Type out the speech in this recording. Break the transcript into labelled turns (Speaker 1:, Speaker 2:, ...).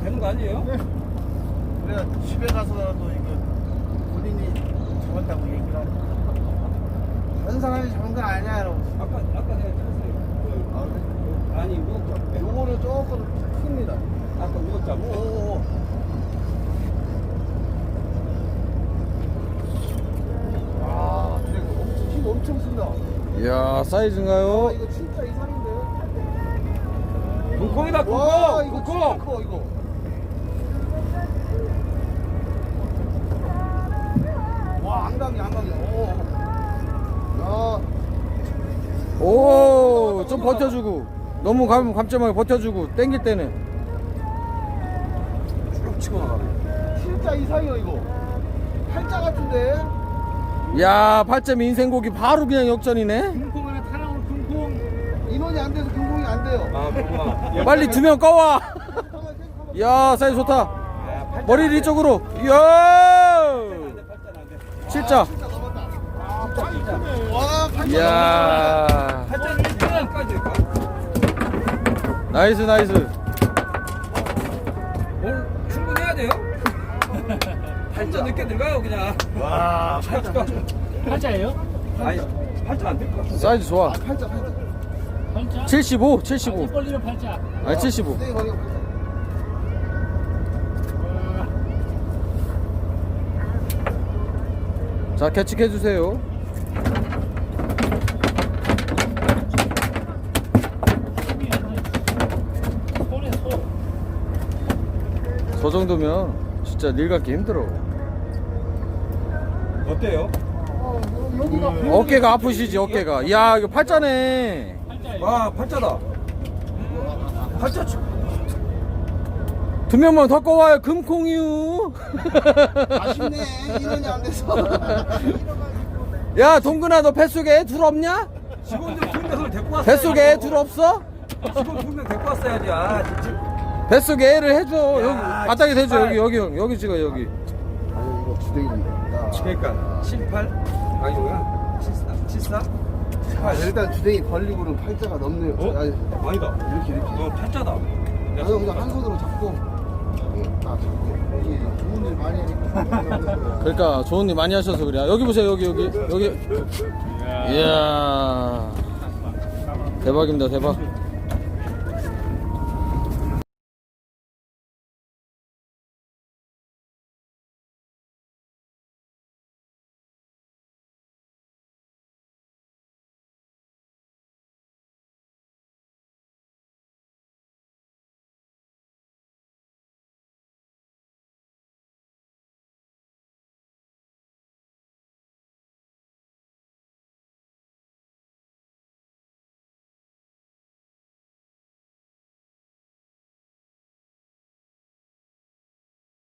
Speaker 1: 되는 거 아니에요?
Speaker 2: 그래 집에 가서라도 이거 본인이 잡았다고 얘기를 하고 다른 사람이 잡은 건 아니야 여러분.
Speaker 1: 아까 내가 찍었어요.
Speaker 2: 아, 그래?
Speaker 1: 아니 무겁자.
Speaker 2: 요거는 조금 큽니다.
Speaker 1: 아까 무겁자.
Speaker 2: 오오오. 아, 힘 엄청 쓴다.
Speaker 3: 이야, 사이즈인가요?
Speaker 2: 이거 진짜 이상인데.
Speaker 1: 쿵콩이다
Speaker 2: 와,
Speaker 1: 쿵콩.
Speaker 2: 이거 진짜
Speaker 1: 쿵콩.
Speaker 2: 커 이거. 와, 안강이. 오. 야.
Speaker 3: 오, 좀 버텨주고. 너무 감점하게 버텨주고. 땡길 때는.
Speaker 1: 쭉 치고 나가네.
Speaker 2: 진짜 이상해요 이거. 팔자 같은데.
Speaker 3: 야, 8점 인생고기 바로 그냥 역전이네.
Speaker 2: 금콩 하나 타 나오는 금콩. 인원이 안 돼서 금콩이 안 돼요.
Speaker 1: 아 그렇구나.
Speaker 3: 빨리 2명 꺼와. 야, 사이즈 좋다. 머리를 이쪽으로. 이야. 7자.
Speaker 2: 진짜 넘었다. 와, 팔자.
Speaker 3: 이야.
Speaker 1: 팔자는 1등까지 될까?
Speaker 3: 나이스.
Speaker 1: 오늘 충분해야 돼요? 팔자 늦게 들어가요 그냥.
Speaker 2: 와, 팔자.
Speaker 4: 팔자예요?
Speaker 1: 아니 팔자 안 될 것 같아.
Speaker 3: 사이즈 좋아.
Speaker 2: 팔자.
Speaker 3: 75.
Speaker 4: 입 벌리면 팔자.
Speaker 3: 아니, 75.
Speaker 2: 네, 거기 팔자.
Speaker 3: 자, 캐치해주세요.
Speaker 4: 손에 손.
Speaker 3: 저 정도면 진짜 일 갖기 힘들어.
Speaker 1: 어때요?
Speaker 2: 여기가
Speaker 3: 어깨가 아프시지, 어깨가. 이야, 이거 팔자네.
Speaker 4: 팔자예요.
Speaker 1: 와 팔자다. 팔자 치.
Speaker 3: 2명만 더 꺼와요, 금콩이유.
Speaker 2: 아쉽네. 인원이 안 돼서.
Speaker 3: 야, 동근아, 너 뱃속에 둘 없냐?
Speaker 1: 직원들 2명을 데리고 왔어요.
Speaker 3: 뱃속에 애 둘 없어?
Speaker 1: 직원 2명 데리고 왔어야지. 아 진짜.
Speaker 3: 뱃속에 애를 해줘.
Speaker 1: 야,
Speaker 3: 여기, 바닥에 대줘.
Speaker 1: 78.
Speaker 3: 여기 찍어, 여기.
Speaker 2: 아니 이거 주댕이니까.
Speaker 1: 그러니까 78 아니 뭐야 74
Speaker 2: 아, 일단 주댕이 벌리고는 팔자가 넘네요.
Speaker 1: 어?
Speaker 2: 아니,
Speaker 1: 아니다.
Speaker 2: 이렇게.
Speaker 1: 팔자다.
Speaker 2: 나도 그냥 한 손으로 잡고. 딱 잡고. 이게 좋은 일 많이 하니까.
Speaker 3: 그러니까 좋은 일 많이 하셔서 그래. 여기 보세요, 여기. 이야. 대박입니다, 대박.